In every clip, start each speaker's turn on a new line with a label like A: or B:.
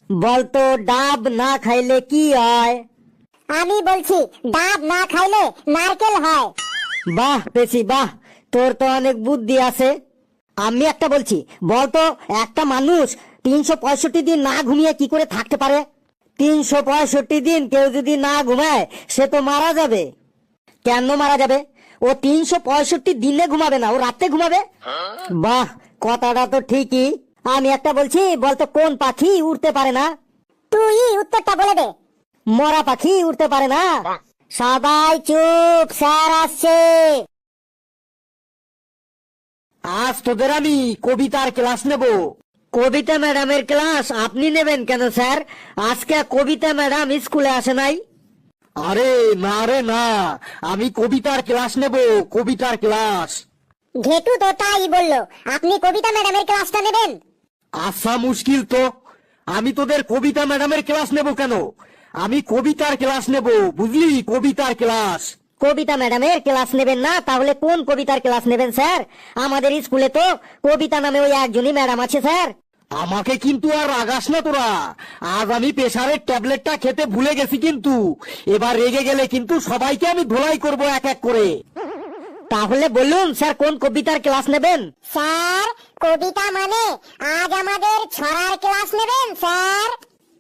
A: বলতো ডাব না খাইলে কি হয়?
B: আমি বলছি ডাব না খাইলে নারকেল হয়।
A: বাহ পেছি বাহ, তোর তো অনেক বুদ্ধি আছে। আমি একটা বলছি, বলতো একটা মানুষ 365 দিন না ঘুমিয়ে কি করে থাকতে পারে? 365 দিন কেউ যদি না ঘুমায় সে তো মারা যাবে। কেন মারা যাবে? ও 365 দিনে ঘুমাবে না, ও রাতে ঘুমাবে। বাহ, কথাটা তো ঠিকই। আমি একটা বলছি, বলতো কোন পাখি উড়তে পারে না?
B: তুই উত্তরটা বলে দে।
A: মরা পাখি উড়তে পারে না।
B: সবাই চুপ, স্যার আসছে।
A: আজ তোদের আমি কবিতার ক্লাস নেব। কবিতা ম্যাডামের ক্লাস আপনি নেবেন কেন স্যার? আজকে কবিতা ম্যাডাম স্কুলে আসে নাই। আরে না রে না, আমি কবিতার ক্লাস নেব, কবিতার ক্লাস।
B: ঘেটু তো তাই বললো, আপনি কবিতা ম্যাডামের ক্লাসটা নেবেন।
A: আচ্ছা মুশকিল তো, আমি তোদের কবিতা ম্যাডামের ক্লাস নেব কেন? আমি কবিতার ক্লাস নেব, বুঝলি, কবিতার ক্লাস। কবিতা ম্যাডামের ক্লাস নেবেন না, তাহলে কোন কবিতার ক্লাস নেবেন স্যার? আমাদের স্কুলে তো কবিতা নামে ওই একজনই ম্যাডাম আছে স্যার। আমাকে কিন্তু আর রাগাস না তোরা, আজ আমি প্রেসারের ট্যাবলেটটা খেতে ভুলে গেছি, কিন্তু এবার রেগে গেলে কিন্তু সবাইকে আমি ধোলাই করব এক এক করে। তাহলে বলুন স্যার, কোন কবিতার ক্লাস নেবেন?
B: স্যার, কবিতা মানে আজ আমাদের ছড়ার ক্লাস নেবেন স্যার।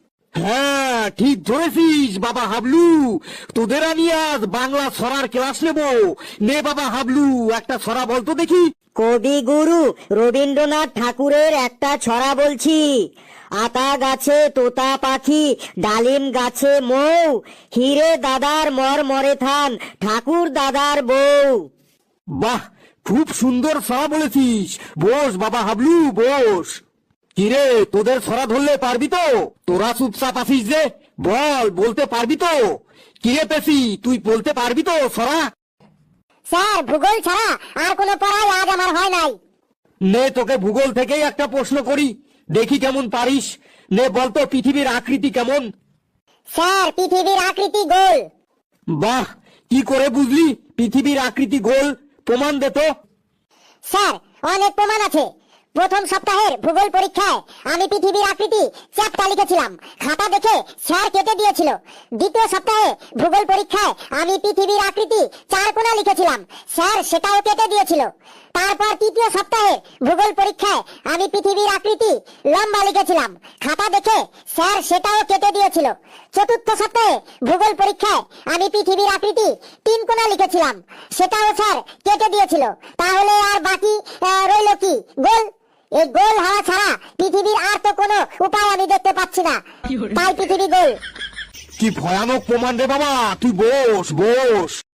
A: হ্যাঁ ঠিক ধরেছিস বাবা হাবলু, তোদের আমি আজ বাংলা ছড়ার ক্লাস নেব। নে বাবা হাবলু, একটা ছড়া বলতো দেখি। কবিগুরু রবীন্দ্রনাথ ঠাকুরের একটা ছড়া বলছি। আতা গাছে তোতা পাখি, ডালিম গাছে মৌ, হিরে দাদার মর মরে থান, ঠাকুর দাদার বউ। বাহ, খুব সুন্দর ছড়া বলেছিস। বস বাবা হাবলু, বস। কিরে, তোদের ছড়া ধরলে পারবি তো? তোরা চুপচাপ আছিস যে, বল, বলতে পারবি তো? কিরে পেছি, তুই বলতে পারবি তো ছড়া?
B: স্যার, ভূগোল ছাড়া আর কোনো পড়াই আজ আমার হয় নাই।
A: নে তোকে ভূগোল থেকেই একটা প্রশ্ন করি, দেখি কেমন পারিস। নে বলতো, পৃথিবীর আকৃতি কেমন?
B: স্যার, পৃথিবীর আকৃতি গোল।
A: বাহ, কি করে বুঝলি পৃথিবীর আকৃতি গোল? প্রমাণ দে তো।
B: স্যার, অনেক প্রমাণ আছে। প্রথম সপ্তাহের ভূগোল পরীক্ষায় আমি পৃথিবীর আকৃতি চ্যাপ্টা লিখেছিলাম, খাতা দেখে স্যার কেটে দিয়েছিল। দ্বিতীয় সপ্তাহে ভূগোল পরীক্ষায় আমি পৃথিবীর আকৃতি চারকোনা লিখেছিলাম, স্যার সেটাও কেটে দিয়েছিল। তারপর তৃতীয় সপ্তাহে ভূগোল পরীক্ষায় আমি পৃথিবীর আকৃতি লম্বা লিখেছিলাম, খাতা দেখে স্যার সেটাও কেটে দিয়েছিল। চতুর্থ সপ্তাহে ভূগোল পরীক্ষায় আমি পৃথিবীর আকৃতি তিন কোণা লিখেছিলাম, সেটাও স্যার কেটে দিয়েছিল। তাহলে আর বাকি রইল কি? গোল। এই গোল হওয়া ছাড়া পৃথিবীর আর তো কোনো উপায় আমি দেখতে পাচ্ছি না, তাই পৃথিবী গোল।
A: কি ভয়ানক প্রমাণ রে বাবা, তুই বস বস।